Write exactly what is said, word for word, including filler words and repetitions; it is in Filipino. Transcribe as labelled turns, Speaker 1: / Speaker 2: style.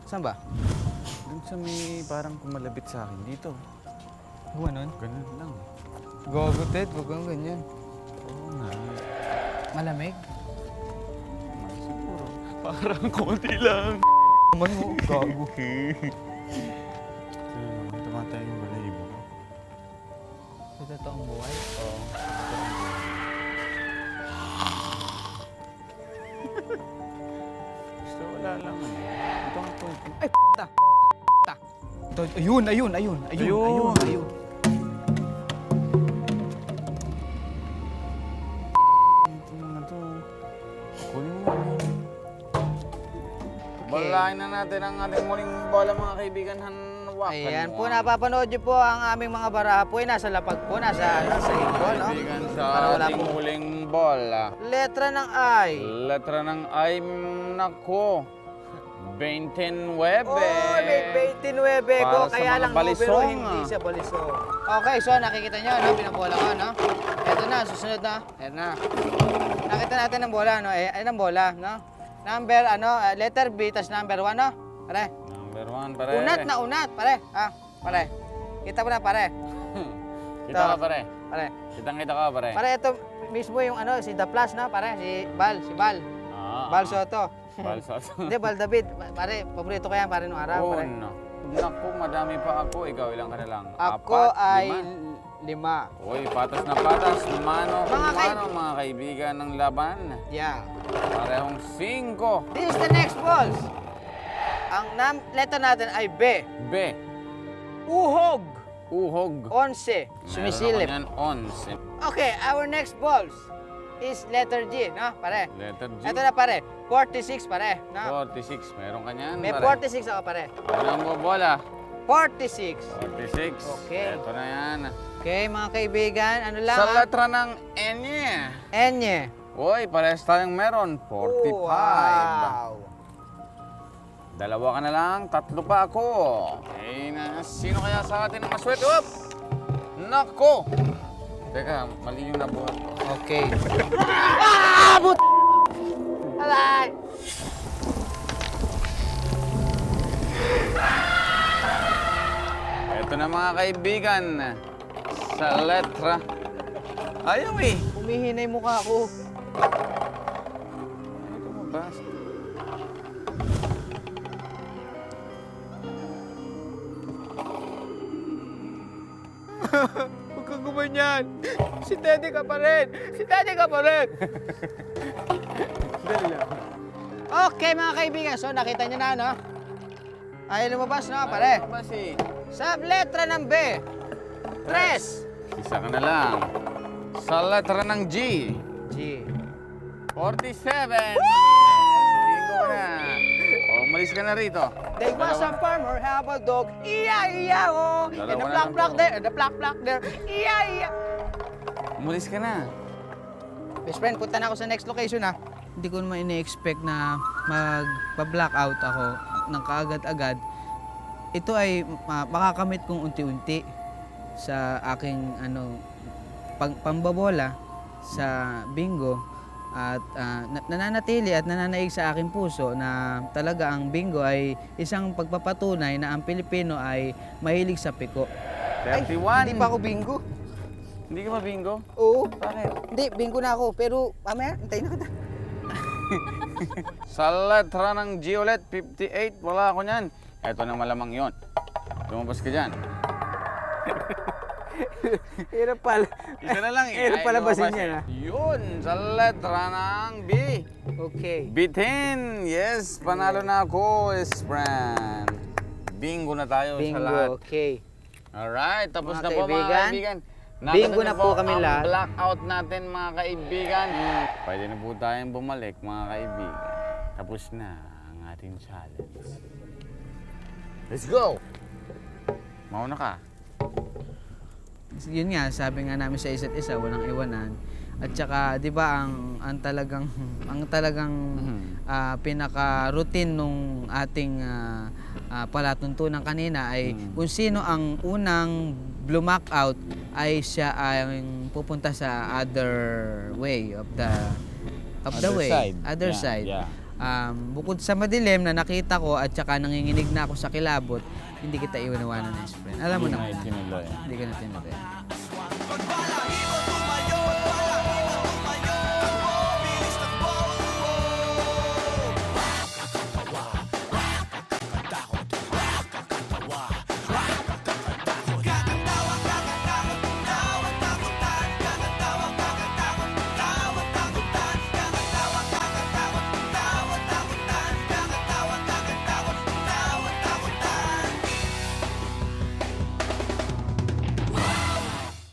Speaker 1: Saan ba?
Speaker 2: Doon sa may parang kumalabit sa akin dito.
Speaker 1: Ganon?
Speaker 2: Ganun lang.
Speaker 1: Gogo, Ted. Huwag kang ganyan.
Speaker 2: Oo nga.
Speaker 1: Malamig?
Speaker 2: Siguro. Parang konti lang.
Speaker 1: Naman mo, gago.
Speaker 2: Sino naman tumatay yung balahibo ko?
Speaker 1: Sa totoong buhay?
Speaker 2: Oo. Gusto wala lang ano. Ito ang point.
Speaker 1: Ay, ta. Ta. Ito, ayun, ayun, ayun, ayun,
Speaker 2: Ayun.
Speaker 1: ayun, ayun.
Speaker 2: Ito mga to. Kunin mo. Balahin na natin ang ating muling bola mga kaibigan. Hanwakan
Speaker 1: Ayan
Speaker 2: mo
Speaker 1: po,
Speaker 2: ang
Speaker 1: napapanood niyo po ang aming mga baraha po. Ay, nasa lapag po, nasa, ano, sa hipon, no?
Speaker 2: kaibigan sa
Speaker 1: Para wala
Speaker 2: ating
Speaker 1: po.
Speaker 2: huling bola.
Speaker 1: Letra ng I.
Speaker 2: Letra ng I, nako. twenty-nine.
Speaker 1: Oh, may twenty-nine ko,
Speaker 2: Para sa
Speaker 1: kaya
Speaker 2: mga
Speaker 1: lang no, pero
Speaker 2: balisong,
Speaker 1: hindi
Speaker 2: ah.
Speaker 1: siya balisong. Okay, so nakikita nyo, no? Pinabola ko, no? Ito na, susunod na. Ayan na. Nakita natin ang bola, no? Eh, ayun ang bola, no? Number, ano, uh, letter B, tas number one, no? Pare.
Speaker 2: Number one, pare.
Speaker 1: Unat na unat, pare. Ah, pare. Kita mo na, pare.
Speaker 2: Kita
Speaker 1: Ito.
Speaker 2: ka, pare.
Speaker 1: Pare.
Speaker 2: Kitang kita ka, pare.
Speaker 1: Pare, ito mismo yung ano, si The Plus, no? Pare, si Bal, si Bal.
Speaker 2: Ah,
Speaker 1: Bal
Speaker 2: ah.
Speaker 1: Soto.
Speaker 2: Balsas.
Speaker 1: Hindi, Bal David. Pare, paborito ko yan, pare, nung araw,
Speaker 2: Oh,
Speaker 1: pare.
Speaker 2: no. Naku, madami pa ako. Ikaw, ilang ka na lang?
Speaker 1: Ako
Speaker 2: Apat,
Speaker 1: ay
Speaker 2: lima.
Speaker 1: lima.
Speaker 2: Uy, patas na patas. Mano,
Speaker 1: Mga kay-
Speaker 2: mano, mga kaibigan ng laban.
Speaker 1: Yeah.
Speaker 2: Parehong cinco.
Speaker 1: This is the next balls. Ang nam letter natin ay B.
Speaker 2: B.
Speaker 1: Uhog.
Speaker 2: Uhog.
Speaker 1: Onse. Sumisilip.
Speaker 2: Meron ako niyan, onse.
Speaker 1: Okay, our next balls is letter G, no? Pare.
Speaker 2: Letter G.
Speaker 1: Ito na pare. forty-six pare, no?
Speaker 2: forty-six. Meron ka niyan,
Speaker 1: May
Speaker 2: pare.
Speaker 1: forty-six ako pare.
Speaker 2: Ako na ang bobola.
Speaker 1: forty-six.
Speaker 2: forty-six.
Speaker 1: Okay.
Speaker 2: Ito na yan.
Speaker 1: Okay, mga kaibigan, ano lang
Speaker 2: Sa
Speaker 1: ah?
Speaker 2: letra ng N.
Speaker 1: Enye.
Speaker 2: Uy, parehas tayong meron. forty-five.
Speaker 1: Wow.
Speaker 2: Dalawa ka na lang, tatlo pa ako. Okay na, sino kaya sa atin ang maswerte? Up! Nako! Teka, mali yung nabuhat ko.
Speaker 1: Okay. Ah! But... Alay!
Speaker 2: Ito na mga kaibigan, sa letra. Ayaw eh.
Speaker 1: Umihinay mukha ko.
Speaker 2: Ano ito mabasa?
Speaker 1: Huwag kang gumanyan. Si Teddy ka pa rin. Si Teddy ka pa rin.
Speaker 2: Dali lang.
Speaker 1: Okay, mga kaibigan. So, nakita nyo na, no? Ay, lumabas, no, pare?
Speaker 2: Ano ba si?
Speaker 1: Sa letra ng B. Tres.
Speaker 2: Isa ka na lang. Sa letra ng G.
Speaker 1: G.
Speaker 2: forty-seven. Bingo ka na. O, umalis ka na rito.
Speaker 1: There was a farmer have a dog. Iya, iya, oh.
Speaker 2: Dalawa
Speaker 1: And the
Speaker 2: na
Speaker 1: black,
Speaker 2: lang
Speaker 1: black
Speaker 2: to.
Speaker 1: there. And the black, black there. Iya, iya.
Speaker 2: Umalis ka na.
Speaker 1: Best friend, punta na ako sa next location, ha? Hindi ko naman ine-expect na magpa-blackout ako ng kaagad-agad. Ito ay uh, makakamit kong unti-unti sa aking ano pang pambabola sa bingo at uh, na- nananatili at nananaig sa aking puso na talaga ang bingo ay isang pagpapatunay na ang Pilipino ay mahilig sa piko.
Speaker 2: thirty-one.
Speaker 1: Hindi pa ako bingo.
Speaker 2: Hindi ka ba bingo?
Speaker 1: Oo.
Speaker 2: Bakit?
Speaker 1: Hindi, bingo na ako. Pero, mamaya, hintayin na kita.
Speaker 2: Sa letra ng G ulit, fifty-eight. Wala ako niyan. Ito na malamang yon. Lumabas ka dyan.
Speaker 1: Hirap pala.
Speaker 2: Isa na lang eh.
Speaker 1: Hirap
Speaker 2: Ay,
Speaker 1: palabasin
Speaker 2: lumabas
Speaker 1: yan,
Speaker 2: eh.
Speaker 1: ha?
Speaker 2: Yun, sa letra ng B.
Speaker 1: Okay.
Speaker 2: Bitin. Yes, panalo na ako, is friend. Bingo na tayo sa lahat.
Speaker 1: Bingo, okay.
Speaker 2: Alright, tapos
Speaker 1: Mga
Speaker 2: na po mga
Speaker 1: kaibigan,
Speaker 2: kaibigan.
Speaker 1: bingo
Speaker 2: Natapos
Speaker 1: na po kami
Speaker 2: ang
Speaker 1: lahat.
Speaker 2: blackout natin mga kaibigan. Pwede na po tayong bumalik mga kaibigan. Tapos na ang ating challenge. Let's go! Mauna ka.
Speaker 1: Yun nga, sabi nga namin sa isa't isa, walang iwanan. At saka, 'di ba, ang ang talagang ang talagang
Speaker 2: Mhm.
Speaker 1: ah, pinaka-routine nung ating ah, ah, palatuntunan kanina ay
Speaker 2: Mhm.
Speaker 1: kung sino ang unang blumack out ay siya ay pupunta sa other way of the of the
Speaker 2: Other
Speaker 1: way,
Speaker 2: side.
Speaker 1: other
Speaker 2: Yeah,
Speaker 1: side.
Speaker 2: yeah.
Speaker 1: um, bukod sa madilim na nakita ko at saka nanginginig na ako sa kilabot, hindi kita iwanawanan, best friend. Alam mo
Speaker 2: Hindi
Speaker 1: naman.
Speaker 2: na itinuloy.
Speaker 1: Hindi ka na tinuloy.